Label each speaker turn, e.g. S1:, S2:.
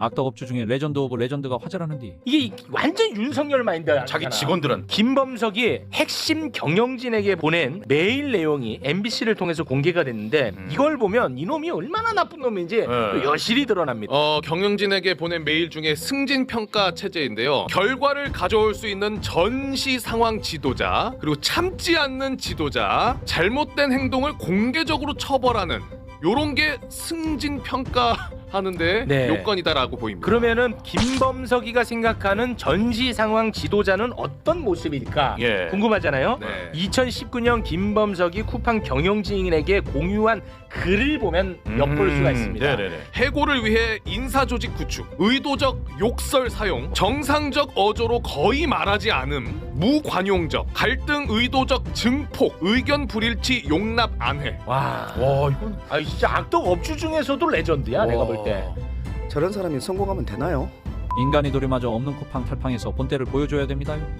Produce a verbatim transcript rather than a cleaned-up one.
S1: 악덕 업주 중에 레전드 오브 레전드가 화제라는디.
S2: 이게 완전 윤석열 마인드야.
S3: 자기 직원들은
S2: 김범석이 핵심 경영진에게 보낸 메일 내용이 엠비씨를 통해서 공개가 됐는데
S3: 음.
S2: 이걸 보면 이놈이 얼마나 나쁜 놈인지
S3: 네.
S2: 또 여실히 드러납니다.
S4: 어, 경영진에게 보낸 메일 중에 승진 평가 체제인데요. 결과를 가져올 수 있는 전시 상황 지도자, 그리고 참지 않는 지도자, 잘못된 행동을 공개적으로 처벌하는 요런 게 승진 평가 하는데
S2: 네.
S4: 요건이다라고 보입니다.
S2: 그러면은 김범석이가 생각하는 전시 상황 지도자는 어떤 모습일까
S3: 예.
S2: 궁금하잖아요.
S4: 네.
S2: 이천십구 년 김범석이 쿠팡 경영진에게 공유한 글을 보면 엿볼 수가 있습니다.
S3: 음, 네네네.
S4: 해고를 위해 인사조직 구축, 의도적 욕설 사용, 정상적 어조로 거의 말하지 않음, 무관용적, 갈등 의도적 증폭, 의견 불일치 용납 안 해.
S2: 와,
S3: 와 이건
S2: 아 진짜 악덕 업주 중에서도 레전드야 내가 볼 때.
S5: 저런 사람이 성공하면 되나요?
S1: 인간이 도리마저 없는 쿠팡 탈팡에서 본때를 보여줘야 됩니다요.